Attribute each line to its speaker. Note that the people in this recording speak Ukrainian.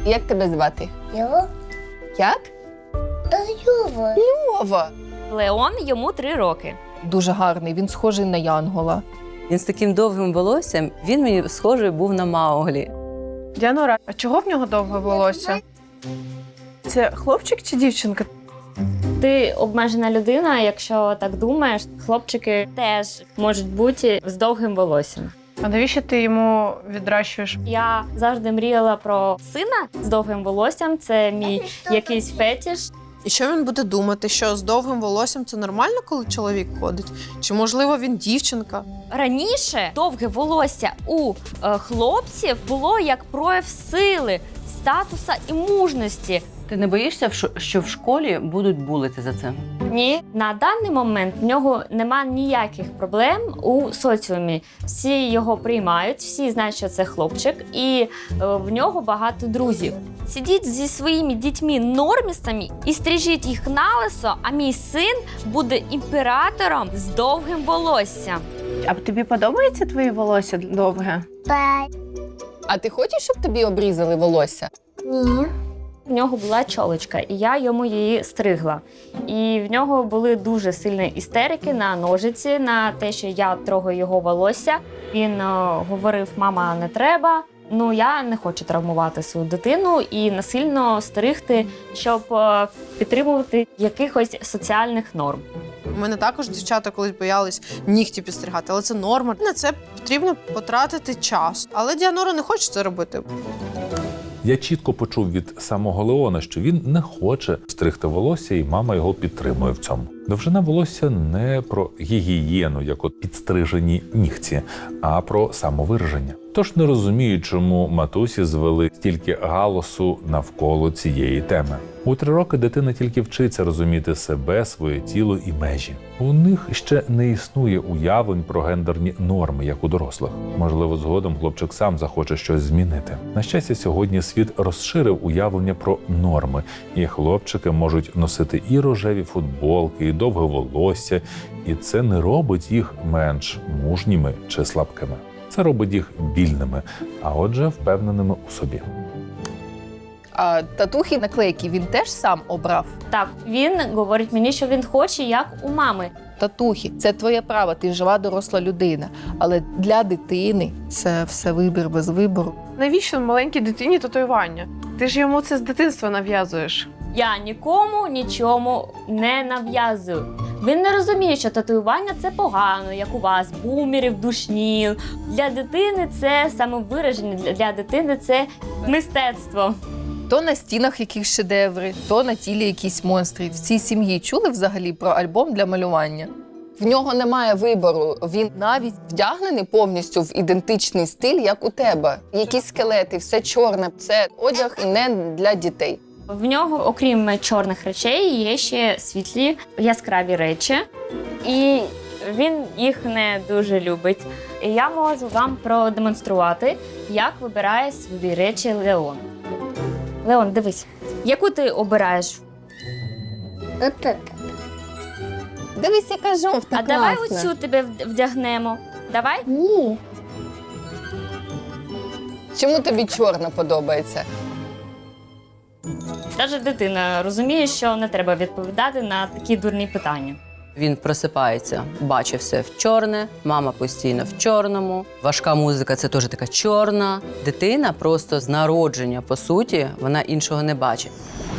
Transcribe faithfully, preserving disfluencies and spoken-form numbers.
Speaker 1: Як тебе звати?
Speaker 2: Його?
Speaker 1: Як?
Speaker 2: Та Йова.
Speaker 1: Льова.
Speaker 3: Леон, йому три роки.
Speaker 1: Дуже гарний, він схожий на Янгола.
Speaker 4: Він з таким довгим волоссям, він мені схожий був на Мауглі.
Speaker 5: Діанора, а чого в нього довге волосся? Це хлопчик чи дівчинка?
Speaker 3: Ти обмежена людина, якщо так думаєш. Хлопчики теж можуть бути з довгим волоссям.
Speaker 5: А навіщо ти йому відращуєш?
Speaker 3: Я завжди мріяла про сина з довгим волоссям. Це мій якийсь фетиш.
Speaker 6: І що він буде думати, що з довгим волоссям це нормально, коли чоловік ходить? Чи, можливо, він дівчинка?
Speaker 3: Раніше довге волосся у е, хлопців було як прояв сили, статуса і мужності.
Speaker 4: Ти не боїшся, що в школі будуть булити за це?
Speaker 3: Ні, на даний момент в нього нема ніяких проблем у соціумі. Всі його приймають, всі знають, що це хлопчик, і е, в нього багато друзів. Сидіть зі своїми дітьми-нормістами і стрижіть їх на лисо, а мій син буде імператором з довгим волоссям.
Speaker 5: А тобі подобається твоє волосся довге?
Speaker 2: Па.
Speaker 1: А ти хочеш, щоб тобі обрізали волосся?
Speaker 2: Ні.
Speaker 3: В нього була чолочка, і я йому її стригла. І в нього були дуже сильні істерики на ножиці, на те, що я трогаю його волосся. Він о, говорив: мама, не треба. Ну, я не хочу травмувати свою дитину і насильно стригти, щоб о, підтримувати якихось соціальних норм.
Speaker 6: У мене також дівчата колись боялись нігті підстригати, але це норма. На це потрібно потратити час. Але Діанора не хоче це робити.
Speaker 7: Я чітко почув від самого Леона, що він не хоче стригти волосся, і мама його підтримує в цьому. Довжина волосся не про гігієну, як от підстрижені нігті, а про самовираження. Тож не розумію, чому матусі звели стільки галасу навколо цієї теми. У три роки дитина тільки вчиться розуміти себе, своє тіло і межі. У них ще не існує уявлень про гендерні норми, як у дорослих. Можливо, згодом хлопчик сам захоче щось змінити. На щастя, сьогодні світ розширив уявлення про норми, і хлопчики можуть носити і рожеві футболки, і довге волосся, і це не робить їх менш мужніми чи слабкими. Це робить їх вільними, а отже, впевненими у собі.
Speaker 1: А татухи, наклейки він теж сам обрав?
Speaker 3: Так, він говорить мені, що він хоче, як у мами.
Speaker 1: Татухи – це твоє право, ти жива доросла людина. Але для дитини це все вибір без вибору.
Speaker 5: Навіщо маленькій дитині татуювання? Ти ж йому це з дитинства нав'язуєш.
Speaker 3: Я нікому нічому не нав'язую. Він не розуміє, що татуювання – це погано, як у вас, бумерів, душніл. Для дитини це самовираження, для дитини це мистецтво.
Speaker 1: То на стінах якісь шедеври, то на тілі якісь монстри. В цій сім'ї чули взагалі про альбом для малювання? В нього немає вибору. Він навіть вдягнений повністю в ідентичний стиль, як у тебе. Якісь скелети, все чорне. Це одяг і не для дітей.
Speaker 3: В нього, окрім чорних речей, є ще світлі, яскраві речі. І він їх не дуже любить. І я можу вам продемонструвати, як вибирає свої речі Леон. Леон, дивись, яку ти обираєш?
Speaker 2: Отак.
Speaker 1: Дивись, яка жовта,
Speaker 3: А давай
Speaker 1: класна.
Speaker 3: оцю тебе вдягнемо. Давай?
Speaker 2: Ні.
Speaker 1: Чому тобі чорна подобається?
Speaker 3: Навіть дитина розуміє, що не треба відповідати на такі дурні питання.
Speaker 4: Він просипається, бачить все в чорне, мама постійно в чорному. Важка музика – це теж така чорна. Дитина просто з народження, по суті, вона іншого не бачить.